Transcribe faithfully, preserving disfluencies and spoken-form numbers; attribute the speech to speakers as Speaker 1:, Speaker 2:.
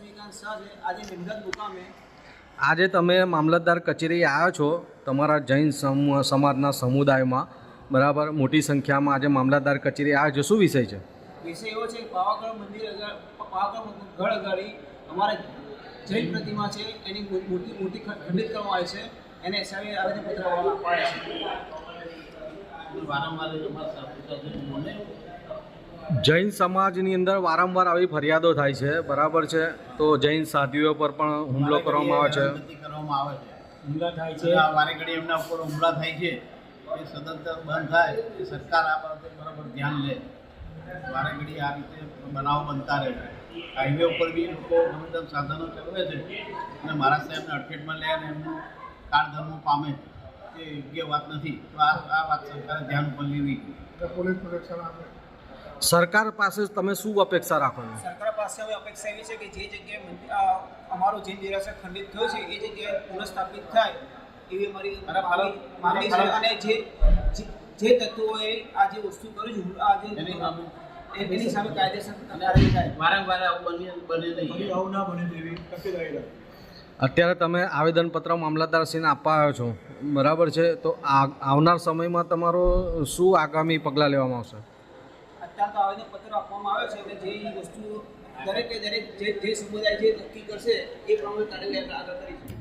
Speaker 1: લક્ષ્મીકાંત શાહ છે, આજે નિમગત મુકામે
Speaker 2: આજે તમે મામલતદાર કચેરી આવ્યા છો તમારા જૈન સમ- સમાજના સમુદાયમાં, બરાબર, મોટી સંખ્યામાં આજે મામલતદાર કચેરી આવ્યા છો. શું વિષય છે?
Speaker 1: વિષય એવો છે કે પાવાગઢ મંદિર આગળ પાવાગઢ ગઢ આગળ અમારે જૈન પ્રતિમા છે એની મૂર્તિ મૂર્તિ ખંડિત કરવામાં આવી છે, એને હિસાબે આવેદનપત્ર અપાયા છે.
Speaker 3: વારંવાર અમારા સાથે
Speaker 2: જૈન સમાજની અંદર વારંવાર આવી ફરિયાદો થાય છે, બરાબર છે, તો જૈન સાધ્વીઓ પર પણ હુમલો કરવામાં આવે છે
Speaker 3: કરવામાં આવે છે
Speaker 1: હુમલા થાય
Speaker 3: છે વારે ઘડી એમના ઉપર હુમલા થાય છે. એ સદંતર બંધ થાય એ સરકાર આ બાબતે બરાબર ધ્યાન લે. વારે ઘડી આ રીતે બનાવો બનતા રહે છે. હાઈવે ઉપર બી લોકો ગમે તેમ સાધનો ચલાવે છે અને મારા સાહેબને અડફેટમાં લે અને એમનું કાળધર્મ પામે એ યોગ્ય વાત નથી. તો આ આ વાત સરકારે ધ્યાન ઉપર લેવી.
Speaker 4: પોલીસ પ્રોટેક્શન આપે.
Speaker 2: સરકાર પાસે તમે શું અપેક્ષા રાખો છો?
Speaker 1: સરકાર પાસે હવે અપેક્ષા એવી છે કે જે જગ્યાએ મંદિર- આ અમારું જૈન દેરાસર ખંડિત થયું છે એ જગ્યાએ પુનઃસ્થાપિત થાય એવી અમારી
Speaker 3: બરાબર.
Speaker 1: માંગણી છે. અને જે જે- જે તત્વોએ આ જે વસ્તુ કરી છે આ જે
Speaker 3: એની સામે
Speaker 1: એની સામે કાયદેસર કાર્યવાહી થાય.
Speaker 3: વારંવાર આવું બને બને નહીં.
Speaker 4: આવું ના બને તેવી તકેદારી રાખે.
Speaker 2: અત્યારે તમે આવેદનપત્ર મામલતદારશ્રીને આપવા આવ્યો છો, બરાબર છે, તો આ આવનાર સમયમાં તમારો શું આગામી પગલાં લેવામાં આવશે?
Speaker 1: અત્યારે તો આવેદનપત્ર આપવામાં આવે છે અને જે વસ્તુ દરેકે દરેક જે જે સમુદાય જે નક્કી કરશે એ પ્રમાણે કાર્યવાહી આપણે આગળ કરીશું.